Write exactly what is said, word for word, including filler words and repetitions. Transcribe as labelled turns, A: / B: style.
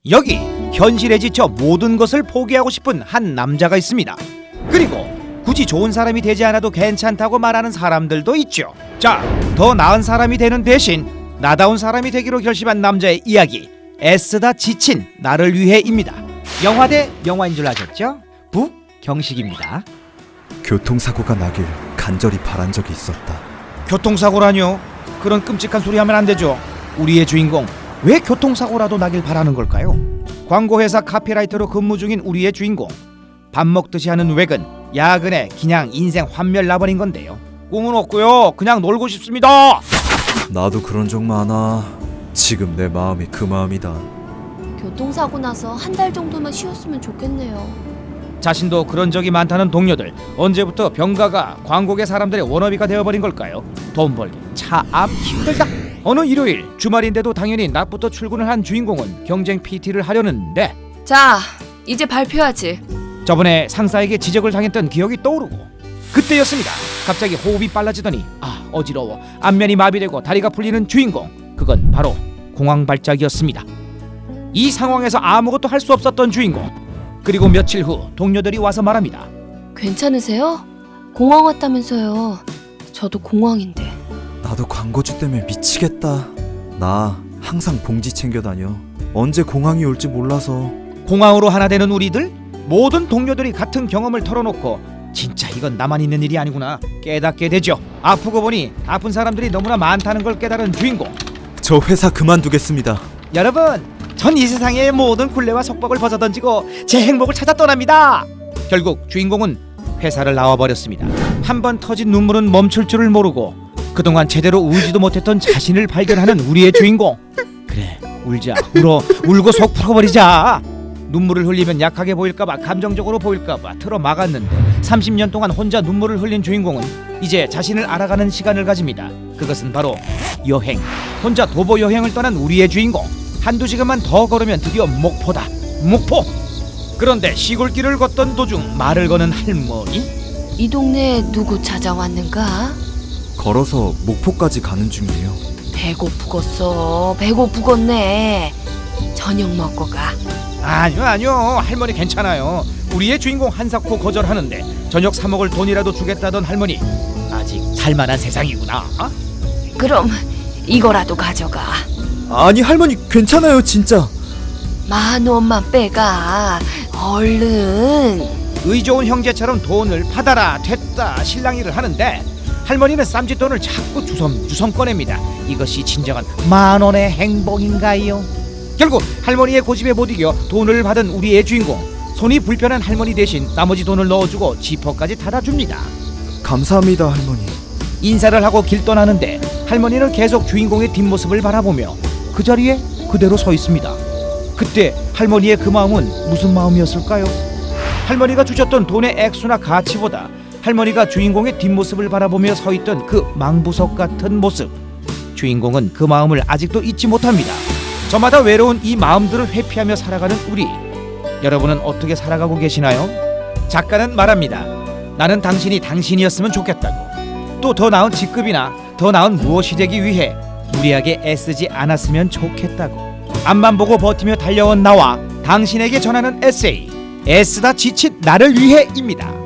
A: 여기 현실에 지쳐 모든 것을 포기하고 싶은 한 남자가 있습니다. 그리고 굳이 좋은 사람이 되지 않아도 괜찮다고 말하는 사람들도 있죠. 자, 더 나은 사람이 되는 대신 나다운 사람이 되기로 결심한 남자의 이야기, 애쓰다 지친 나를 위해입니다. 영화 대 영화인 줄 아셨죠? 북경식입니다.
B: 교통사고가 나길 간절히 바란 적이 있었다.
A: 교통사고라뇨? 그런 끔찍한 소리 하면 안 되죠. 우리의 주인공 왜 교통사고라도 나길 바라는 걸까요? 광고회사 카피라이터로 근무 중인 우리의 주인공, 밥 먹듯이 하는 외근, 야근에 그냥 인생 환멸 나버린 건데요. 꿈은 없고요, 그냥 놀고 싶습니다.
B: 나도 그런 적 많아. 지금 내 마음이 그 마음이다.
C: 교통사고 나서 한 달 정도만 쉬었으면 좋겠네요.
A: 자신도 그런 적이 많다는 동료들, 언제부터 병가가 광고계 사람들의 워너비가 되어버린 걸까요? 돈 벌기 참 힘들다. 어느 일요일 주말인데도 당연히 낮부터 출근을 한 주인공은 경쟁 피티를 하려는데,
C: 자, 이제 발표하지.
A: 저번에 상사에게 지적을 당했던 기억이 떠오르고, 그때였습니다. 갑자기 호흡이 빨라지더니 아 어지러워 안면이 마비되고 다리가 풀리는 주인공, 그건 바로 공황 발작이었습니다. 이 상황에서 아무것도 할 수 없었던 주인공. 그리고 며칠 후 동료들이 와서 말합니다.
C: 괜찮으세요? 공황 왔다면서요. 저도 공황인데.
B: 나도 광고주 때문에 미치겠다. 나 항상 봉지 챙겨 다녀. 언제 공황이 올지 몰라서.
A: 공황으로 하나 되는 우리들, 모든 동료들이 같은 경험을 털어놓고 진짜 이건 나만 있는 일이 아니구나 깨닫게 되죠. 아프고 보니 아픈 사람들이 너무나 많다는 걸 깨달은 주인공.
B: 저 회사 그만두겠습니다.
A: 여러분, 전 이 세상의 모든 굴레와 속박을 벗어던지고 제 행복을 찾아 떠납니다. 결국 주인공은 회사를 나와버렸습니다. 한 번 터진 눈물은 멈출 줄을 모르고 그동안 제대로 울지도 못했던 자신을 발견하는 우리의 주인공. 그래, 울자. 울어. 울고 속 풀어버리자. 눈물을 흘리면 약하게 보일까봐, 감정적으로 보일까봐 틀어 막았는데 삼십 년 동안 혼자 눈물을 흘린 주인공은 이제 자신을 알아가는 시간을 가집니다. 그것은 바로 여행. 혼자 도보 여행을 떠난 우리의 주인공. 한두 시간만 더 걸으면 드디어 목포다. 목포. 그런데 시골길을 걷던 도중 말을 거는 할머니.
C: 이 동네에 누구 찾아왔는가?
B: 걸어서 목포까지 가는 중이에요.
C: 배고프겠어. 배고프겠네. 저녁 먹고 가.
A: 아니요 아니요 할머니 괜찮아요. 우리의 주인공 한사코 거절하는데 저녁 사 먹을 돈이라도 주겠다던 할머니, 아직 살만한 세상이구나. 어?
C: 그럼 이거라도 가져가.
B: 아니 할머니 괜찮아요 진짜.
C: 만 원만 빼가. 얼른.
A: 의 좋은 형제처럼 돈을 받아라 됐다 실랑이를 하는데 할머니는 쌈짓돈을 자꾸 주섬주섬 꺼냅니다. 이것이 진정한 만원의 행복인가요? 결국 할머니의 고집에 못 이겨 돈을 받은 우리의 주인공, 손이 불편한 할머니 대신 나머지 돈을 넣어주고 지퍼까지 닫아줍니다.
B: 감사합니다 할머니.
A: 인사를 하고 길 떠나는데 할머니는 계속 주인공의 뒷모습을 바라보며 그 자리에 그대로 서 있습니다. 그때 할머니의 그 마음은 무슨 마음이었을까요? 할머니가 주셨던 돈의 액수나 가치보다 할머니가 주인공의 뒷모습을 바라보며 서 있던 그 망부석 같은 모습, 주인공은 그 마음을 아직도 잊지 못합니다. 저마다 외로운 이 마음들을 회피하며 살아가는 우리, 여러분은 어떻게 살아가고 계시나요? 작가는 말합니다. 나는 당신이 당신이었으면 좋겠다고. 또 더 나은 직급이나 더 나은 무엇이 되기 위해 무리하게 애쓰지 않았으면 좋겠다고. 앞만 보고 버티며 달려온 나와 당신에게 전하는 에세이, 애쓰다 지친 나를 위해입니다.